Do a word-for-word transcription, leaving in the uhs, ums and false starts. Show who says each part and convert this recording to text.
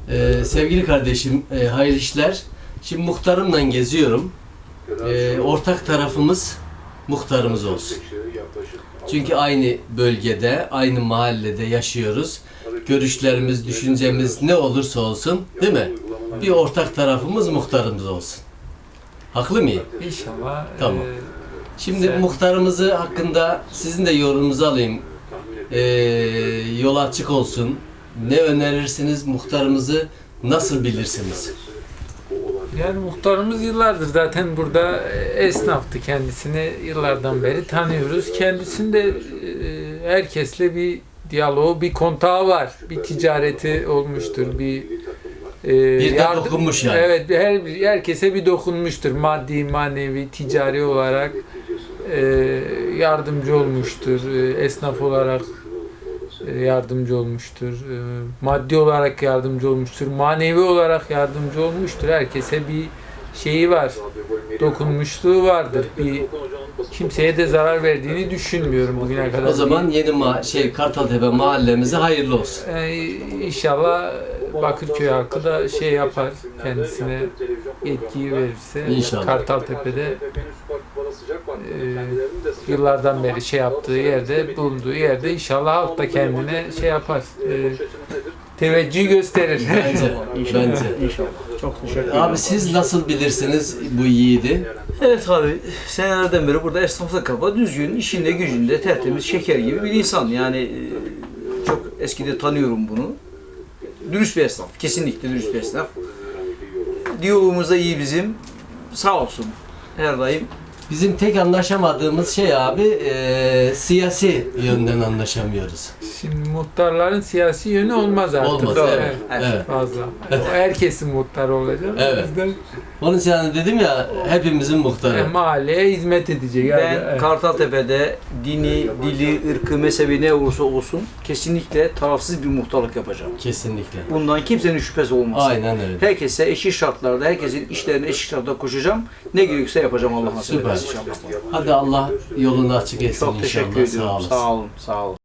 Speaker 1: Ee, sevgili kardeşim, e, hayırlı işler. Şimdi muhtarımla geziyorum. Ee, ortak tarafımız muhtarımız olsun. Çünkü aynı bölgede, aynı mahallede yaşıyoruz. Görüşlerimiz, düşüncemiz ne olursa olsun, değil mi? Bir ortak tarafımız muhtarımız olsun. Haklı mıyım?
Speaker 2: İnşallah.
Speaker 1: Tamam.
Speaker 2: E,
Speaker 1: Şimdi
Speaker 2: sen...
Speaker 1: muhtarımızı hakkında sizin de yorumunuzu alayım. Ee, yol açık olsun. Ne önerirsiniz? Muhtarımızı nasıl bilirsiniz?
Speaker 2: Yani muhtarımız yıllardır zaten burada esnaftı, kendisini yıllardan beri tanıyoruz. Kendisinde e, herkesle bir diyaloğu, bir kontağı var. Bir ticareti olmuştur, bir e,
Speaker 1: Bir de
Speaker 2: yardım,
Speaker 1: dokunmuş yani.
Speaker 2: Evet, her, herkese bir dokunmuştur. Maddi, manevi, ticari olarak e, yardımcı olmuştur. E, esnaf olarak yardımcı olmuştur. Maddi olarak yardımcı olmuştur. Manevi olarak yardımcı olmuştur. Herkese bir şeyi var. Dokunmuşluğu vardır. Bir kimseye de zarar verdiğini düşünmüyorum bugüne kadar.
Speaker 1: O zaman yeni ma şey Kartaltepe mahallemize hayırlı olsun.
Speaker 2: Ee, inşallah Bakırköy halkı da şey yapar, kendisine yetkiyi verirse.
Speaker 1: İnşallah.
Speaker 2: Kartaltepe'de e, yıllardan beri şey yaptığı yerde, bulunduğu yerde inşallah halk da kendine şey yapar. E, teveccüh gösterir.
Speaker 1: Bence. Bence.
Speaker 3: İnşallah. Çok teşekkür ederim.
Speaker 1: Abi siz nasıl bilirsiniz bu yiğidi?
Speaker 3: Evet abi, senelerden beri burada esnaflık kaba, düzgün, işinde gücünde, tertemiz, şeker gibi bir insan. Yani e, çok eskide tanıyorum bunu. Dürüst bir esnaf, kesinlikle dürüst bir esnaf. Diyalogumuz da iyi bizim. Sağ olsun. Her daim.
Speaker 1: Bizim tek anlaşamadığımız şey abi e, siyasi yönden anlaşamıyoruz.
Speaker 2: Şimdi muhtarların siyasi yönü olmaz artık.
Speaker 1: Olmaz, evet.
Speaker 2: Evet. Fazla. O herkesin muhtarı olacak.
Speaker 1: Evet.
Speaker 2: O yüzden
Speaker 1: Onun için hani dedim ya hepimizin muhtarı.
Speaker 2: e, mahalleye hizmet edecek.
Speaker 3: Ben
Speaker 2: Yani,
Speaker 3: Kartaltepe'de dini, dili, ırkı, mezhebi ne olursa olsun kesinlikle tarafsız bir muhtarlık yapacağım.
Speaker 1: Kesinlikle.
Speaker 3: Bundan kimsenin şüphesi olmasın.
Speaker 1: Aynen öyle.
Speaker 3: Herkese eşit şartlarda, herkesin işlerine eşit şartlarda koşacağım. Ne gerekirse yapacağım Allah nasip
Speaker 1: Süper.
Speaker 3: ederse inşallah.
Speaker 1: Hadi Allah yolunu açık etsin
Speaker 3: Çok
Speaker 1: inşallah.
Speaker 3: teşekkür ediyorum.
Speaker 1: Sağ olasın.
Speaker 3: Sağ olun. Sağ olun.